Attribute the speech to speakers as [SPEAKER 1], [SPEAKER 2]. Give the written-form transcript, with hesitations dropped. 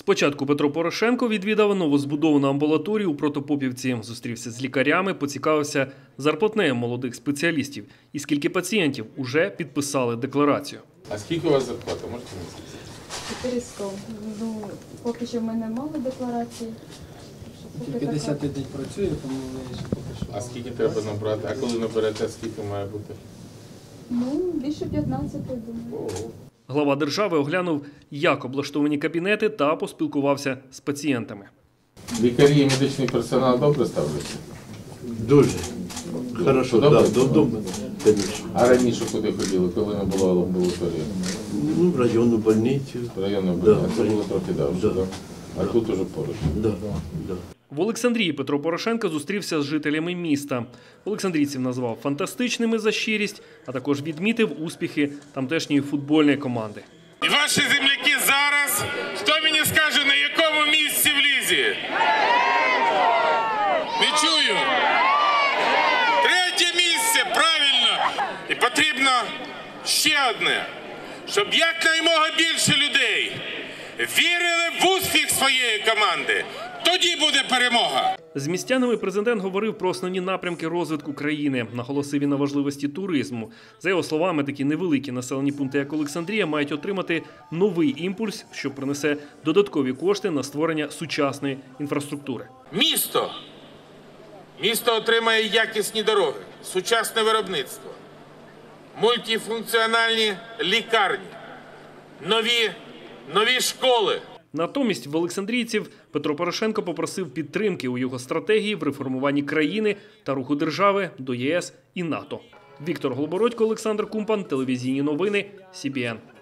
[SPEAKER 1] Спочатку Петро Порошенко відвідав новозбудовану амбулаторію у Протопопівці, зустрівся з лікарями, поцікавився зарплатнею молодих спеціалістів і скільки пацієнтів уже підписали декларацію.
[SPEAKER 2] А скільки у вас зарплата, можете мені сказати?
[SPEAKER 3] 400. Ну, поки що в мене мало декларацій.
[SPEAKER 4] Тільки 10-й день працює, тому ми ще поки що.
[SPEAKER 2] А скільки треба набрати? А коли наберете, скільки має бути?
[SPEAKER 3] Ну, більше 15, думаю.
[SPEAKER 2] Ого.
[SPEAKER 1] Глава держави оглянув, як облаштовані кабінети та поспілкувався з пацієнтами.
[SPEAKER 2] Лікарі і медичний персонал добре ставляться?
[SPEAKER 5] Дуже. Хорошо,
[SPEAKER 2] Добре?
[SPEAKER 5] так, вдома, звісно.
[SPEAKER 2] А раніше куди ходили, коли не була амбулаторія?
[SPEAKER 5] Ну, в районну больницю.
[SPEAKER 2] В районну
[SPEAKER 5] Да.
[SPEAKER 2] больницю. Це було трохи давше,
[SPEAKER 5] Да.
[SPEAKER 2] так? А тут уже поруч.
[SPEAKER 5] Да, да.
[SPEAKER 1] В Олександрії Петро Порошенко зустрівся з жителями міста. Олександрійців назвав фантастичними за щирість, а також відмітив успіхи тамтешньої футбольної команди.
[SPEAKER 6] І ваші земляки зараз, хто мені скаже, на якому місці в лізі? Не чую. Третє місце, правильно. І потрібно ще одне, щоб якнаймога більше людей вірили в успіх своєї команди. Тоді буде перемога.
[SPEAKER 1] З містянами президент говорив про основні напрямки розвитку країни, наголосив він на важливості туризму. За його словами, такі невеликі населені пункти, як Олександрія, мають отримати новий імпульс, що принесе додаткові кошти на створення сучасної інфраструктури.
[SPEAKER 6] Місто отримає якісні дороги, сучасне виробництво, мультифункціональні лікарні, нові школи.
[SPEAKER 1] Натомість в олександрійців Петро Порошенко попросив підтримки у його стратегії в реформуванні країни та руху держави до ЄС і НАТО. Віктор Голобородько, Олександр Кумпан, телевізійні новини, СІБІН.